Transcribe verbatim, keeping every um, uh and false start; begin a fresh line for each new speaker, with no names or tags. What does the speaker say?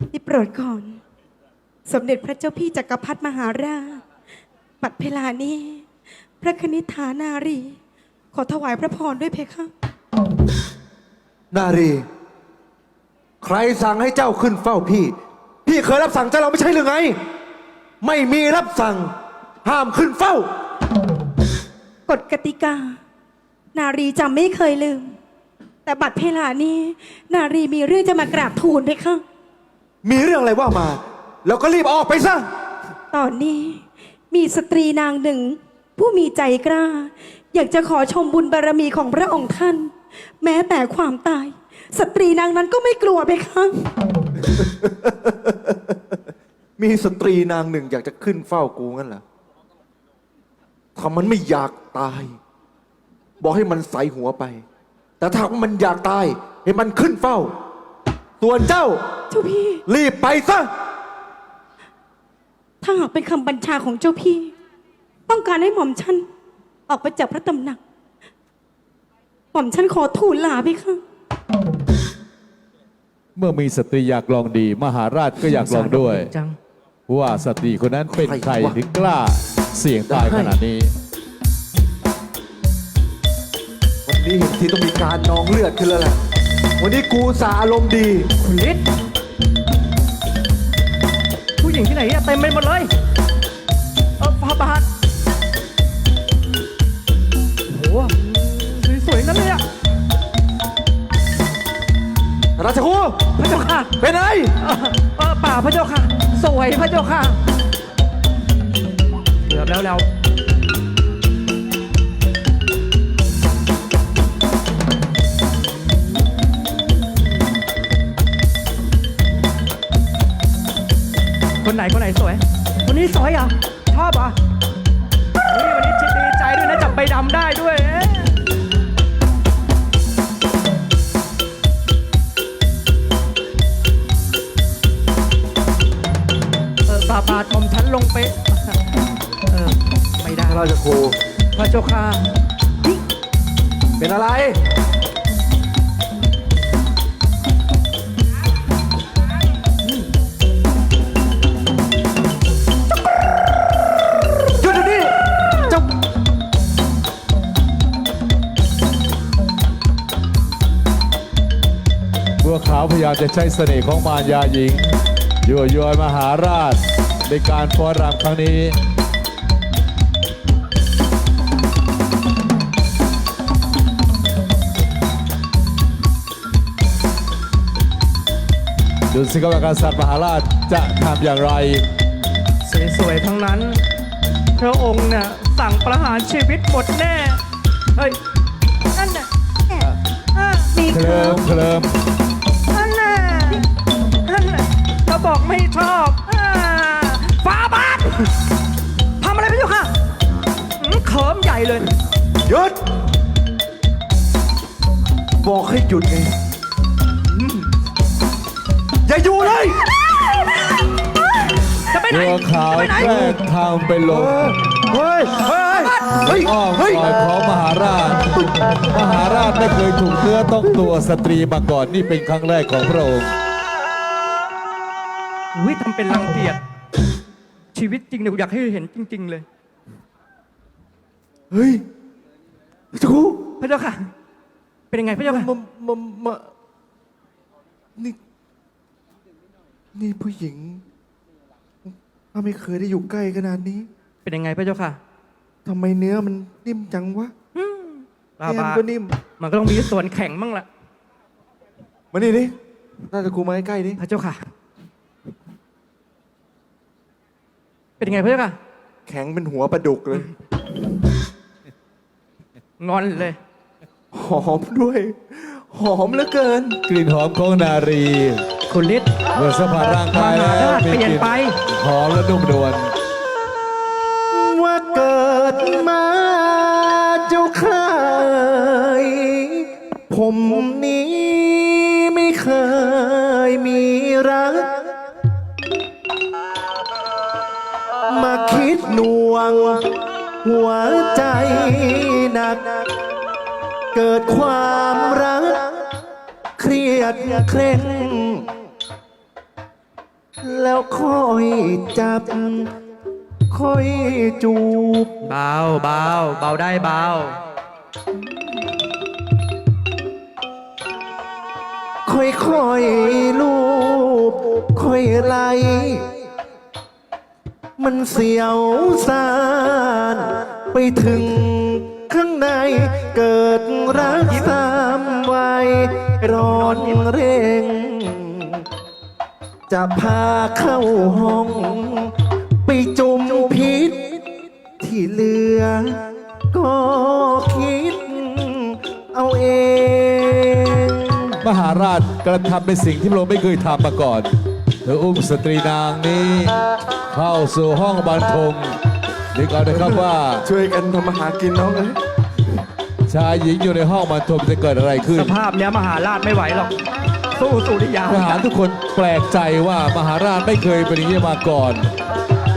ได้โปรดก่อนสมเด็จพระเจ้าพี่จักรพรรดิมหาราชบัดเวลานี้พระคณิษฐานารี ขอถวายพระพรด้วยเพคะ
นารีใครสั่งให้เจ้าขึ้นเฝ้าพี่ พี่เคยรับสั่งเจ้าเราไม่ใช่หรือไงไม่มีรับสั่งห้ามขึ้นเฝ้าก
ฎกติกา นารีจำไม่เคยลืม แต่บัดเวลานี้ นารีมีเรื่องจะมากราบทูลเพคะ
มีเรื่องอะไรว่ามา แล้วก็รีบออกไปซะ
ตอนนี้มีสตรีนางหนึ่ง ผู้มีใจกล้า อยากจะขอชมบุญบารมีของพระองค์ท่าน แม้แต่ความตาย สตรีนางนั้นก็ไม่กลัวเพคะ
มีสตรีนางหนึ่งอยากจะขึ้นเฝ้ากูงั้นเหรอถ้ามันไม่อยากตาย บอกให้มันใส่หัวไป แต่ถ้ามันอยากตายให้มันขึ้นเฝ้าส่วนเจ้า
เจ้าพี่
รีบไปซะ
ถ้าหากเป็นคำบัญชาของเจ้าพี่ ต้องการให้หม่อมฉันออกไปจากพระตำหนัก หม่อมฉันขอทูลลาเพคะ
เมื่อมีสตรีอยากลองดี มหาราชก็อยากลองด้วยว่าสตรีคนนั้นเป็นใครถึงกล้าเสี่ยงตายขนาดนี้
วันนี้เห็นที่ต้องมีการนองเลือดขึ้นแล้วแหละวันนี้กูสาอารมณ์ดี
คุณฤทธิ์ผู้หญิงที่ไหนเต็มไปหมดเลยเออฟาบาทโอ้โหสวยๆนั่นเลยอะ
ราชครู
พระเจ้าค่ะ
เป็นไง
เออป่าพระเจ้าค่ะสวยพระเจ้าค่ะเกือบแล้วแล้วคนไหนคนไหนสวยคนนี้สวยเหรอชอบเหรอนี่วันนี้ดีใจด้วยนะจับใบดำได้ด้วยเออบาบาทอมฉันลงไปเออไม่ได้
ราชครู
พระเจ้าค่ะ
เป็นอะไร
บัวขาวพยายามจะใช้เสน่ห์ของมารยาหญิงยั่วยวนมหาราชในการฟ้อนรำครั้งนี้ดูสิครับว่ากษัตริย์มหาราชจะทำอย่างไร
สวยๆทั้งนั้นพระองค์เนี่ยสั่งประหารชีวิตหมดแน่เฮ้ยนั่นน่ะ
มี
เคลิมเคลิม
นั่นน่ะนั่นน่ะเราบอกไม่ชอบฟ้าบาททำอะไรไปอยู่ค่ะเขิมใหญ่เลย
หยุดบอกให้หยุดไงอย่าอยู่เลย
จะไปไหน
บัวขาวแกล้งทำไปลง
เฮ้ยเฮ้ยเฮ้ย
อ้อมคอยของมหาราชมหาราชไม่เคยถูกเนื้อต้องตัวสตรีมาก่อนนี่เป็นครั้งแรกของพระองค์
อุ้ยทำเป็นรังเกียจชีวิตจริงเนี่ยอยากให้เห็นจริงๆเลย
เฮ้ยจู
พระเจ้าค่ะเป็นยังไงพระเจ้าค่ะ
มามามานี่นี่ผู้หญิงถ้าไม่เคยได้อยู่ใกล้ขนาดนี้
เป็นยังไงพระเจ้าค่ะ
ทำไมเนื้อมันนิ่มจังวะ
บาบาก็นิ่มมันก็ต้องมีส่วนแข็งบ้างล่ะ
มานี่ดิน่าจะกูมาใกล้ๆดิ
พระเจ้าค่ะเป็นยังไงพระเจ้าค่ะ
แข็งเป็นหัวปลาดุกเลย
งอนเลย
หอมด้วยหอมเหลือเกิน
กลิ่นหอมของนารี
คุณฤทธิ์
เมื่อสัมผัสร่างกายแล้ว
เปลี่ยนไป
หอมและนุ่มนวล
ว่าเกิดมาเจ้าเคยผมนี้ไม่เคยมีรักมาคิดหน่วงหัวใจหนักเกิดความรักเครียดเคร่งแล้วค่อยจับ ค่อยจูบ
เบาเบาเบาได้เบา
ค่อยๆลูบ ค่อยไล่มันเสียวสานไปถึงข้างในเกิดรักสามวัยร้อนเร่ง จะพาเข้าห้อง ไปจุ่มพิษ ที่เหลือ ก็คิดเอาเอง
มหาราชกระทำในสิ่งที่พระองค์ไม่เคยทำมาก่อน เธออุ้มสตรีนางนี้ เข้าสู่ห้องบรรทมนึกเอานะครับว่า
ช่วยกันทำมาหากินน้องเอ้ย
ชายหญิงอยู่ในห้องบรรทมจะเกิดอะไรขึ้น
สภาพเนี้ยมหาราชไม่ไหวหรอก สู้สุริยา
ทหารทุกคนแปลกใจว่ามหาราชไม่เคยเป็นอย่างนี้มาก่อน